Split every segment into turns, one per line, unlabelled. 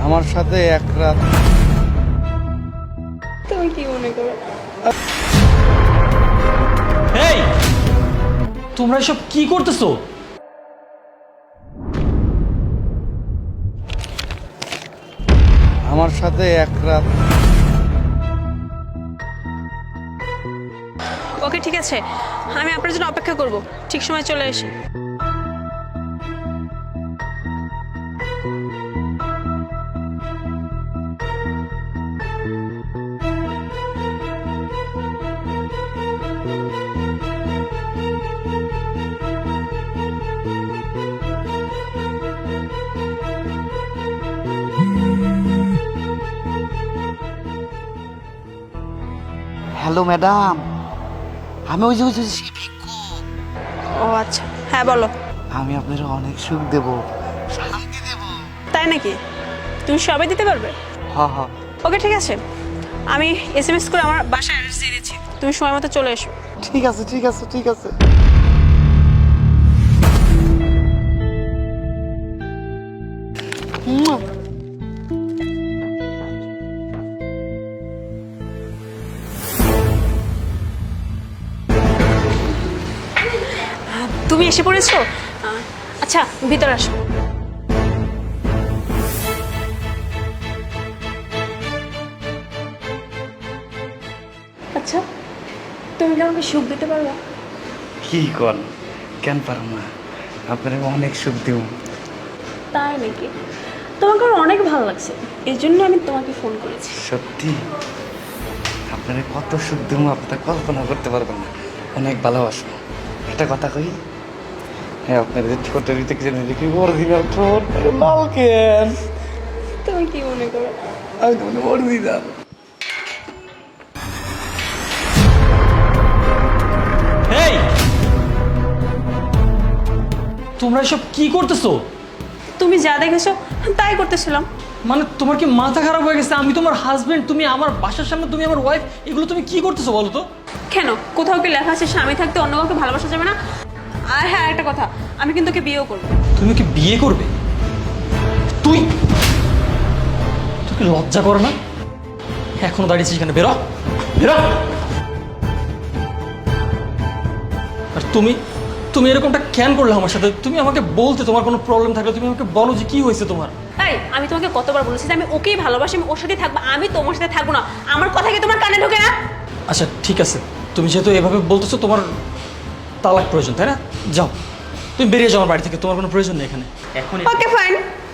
আমার সাথে এক রাত।
তুমি কি মনে করো?
এই তোমরা এসব কি করতেছো?
আমার সাথে এক রাত।
ওকে ঠিক আছে, আমি আপনার জন্য অপেক্ষা করব, ঠিক সময় চলে এসে।
হ্যালো ম্যাডাম, আমি ওই যে
ও আচ্ছা, হ্যাঁ বলো।
আমি আপনার অনেক সুখ দেব, শান্তি দেব।
তাই নাকি? তুমি সবাই দিতে পারবে?
হ হ,
ওকে ঠিক আছে, আমি এসএমএস করে আমার বাসায় অ্যাড্রেস দিয়ে দিচ্ছি, তুমি সময় মতো চলে এসো।
ঠিক আছে ঠিক আছে ঠিক আছে। মুয়া।
তুমি এসে পড়েছো? আচ্ছা ভিতরে আসো। আচ্ছা তুমি কি আমাকে সুখ দিতে পারবা?
কি কর, কেন পারো না? আপনার অনেক সুখ দেব।
তাই নাকি? তোমাকে আমার অনেক ভালো লাগছে, এই জন্য আমি তোমাকে ফোন করেছি।
সত্যি আপনার কত সুখ দেব আপনার কল্পনা করতে পারবেন না। অনেক ভালোবাসো। একটা কথা কই, হ্যাঁ আপনার যে ছোটের ভিতরে কিছু দেখি অরিজিনাল ঠোঁট লাল কেন?
তুমি কি মনে করো?
আমি তো মনে অরিজিনাল।
এই তোমরা এসব কি করতেছো?
তুমি যা দেখেছো তাই করতেছিলাম।
মানে তোমার কি মাথা খারাপ হয়ে গেছে? আমি তোমার হাজবেন্ড, তুমি আমার বাসার সামনে, তুমি আমার ওয়াইফ, এগুলো তুমি কি করতেছো বলো তো?
কেন, কোথাও কি লেখা আছে স্বামী থাকতে অন্য কাউকে ভালোবাসা যাবে না? আর হ্যাঁ একটা কথা, আমি কিন্তু ওকে বিয়েও করবো।
তুমি কি বিয়ে করবে? তুই তোকে লজ্জা করে না? এখনো দাঁড়িয়েছিস এখানে, বেরো বেরো। আর তুমি তুমি এরকমটা কেন করলে আমার সাথে? তুমি আমাকে বলতে, তোমার কোনো প্রবলেম থাকলে তুমি আমাকে বলো যে কি হয়েছে তোমার।
তাই আমি তোমাকে কতবার বলেছি যে আমি ওকেই ভালোবাসি, আমি ওর সাথে থাকবো, আমি তোমার সাথে থাকবো না। আমার কথা কি তোমার কানে ঢোকে না?
আচ্ছা ঠিক আছে, তুমি যেহেতু এভাবে বলতেছো, তোমার তালাক প্রয়োজন তাই না? যাও, তুমি বেরিয়ে যাও আমার বাড়ি থেকে, তোমার কোনো প্রয়োজন নেই এখানে এখন।
Okay fine.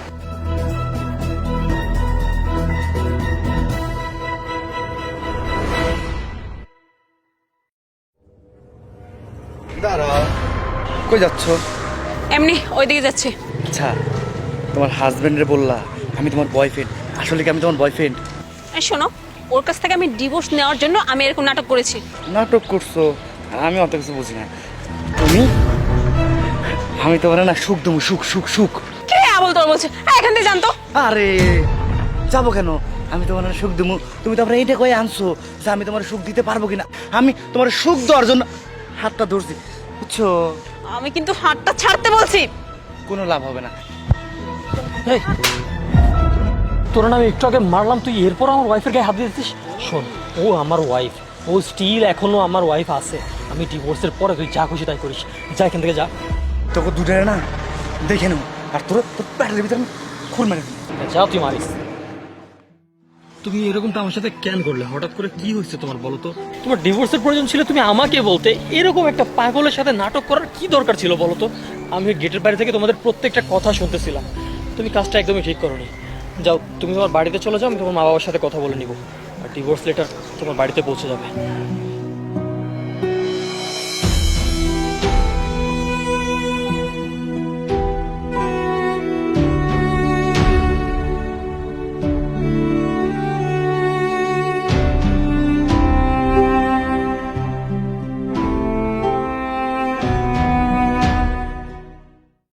দাঁড়াও, কই যাচ্ছ?
এমনি ওইদিকে যাচ্ছি।
আচ্ছা, তোমার হাজবেন্ডরে বললা আমি তোমার বয়ফ্রেন্ড? আসলে কি আমি তোমার বয়ফ্রেন্ড?
এই শোনো, ওর কাছ থেকে আমি ডিভোর্স নেওয়ার জন্য আমি এরকম নাটক করেছি।
নাটক করছো? আমি অত কিছু বুঝি না। তুমি, আমি তোমার না সুখ দেবো, সুখ সুখ সুখ।
কে আবল তোর বলছে? এখান থেকে জানতো।
আরে যাবো কেন? আমি তোমার না সুখ দেবো, তুমি তো আপনার এইটা কয়ে আনছো যে আমি তোমার সুখ দিতে পারবো কিনা। আমি তোমার সুখ দেওয়ার জন্য হাতটা ধরছি, বুঝছো?
আমি কিন্তু হাতটা ছাড়তে বলছি।
কোনো লাভ হবে না।
এই তোর না আমি একটু আগে মারলাম, তুই এরপর আমার ওয়াইফের গায়ে হাত দিয়েছিস? শোন, ও আমার ওয়াইফ, ও স্টিল এখনো আমার ওয়াইফ আছে। আমি ডিভোর্সের পরে তুই যা খুশি তাই করিস, যা এখান থেকে যা।
তোকে দুটারে না দেখে নেবো, আর তোর তোর প্যাটের ভিতরে আমি খুর মেরে দেবো।
যা তুই মারিস। তুমি এরকমটা আমার সাথে কেন করলে? হঠাৎ করে কি হয়েছে তোমার বলো তো? তোমার ডিভোর্সের প্রয়োজন ছিল, তুমি আমাকে বলতে। এরকম একটা পাগলের সাথে নাটক করার কি দরকার ছিল বলো তো? আমি গেটের বাইরে থেকে তোমাদের প্রত্যেকটা কথা শুনতেছিলাম। তুমি কাজটা একদমই ঠিক করোনি। যাও, তুমি তোমার বাড়িতে চলে যাও, আমি তোমার মা বাবার সাথে কথা বলে নিব, আর ডিভোর্স লেটার তোমার বাড়িতে পৌঁছে যাবে।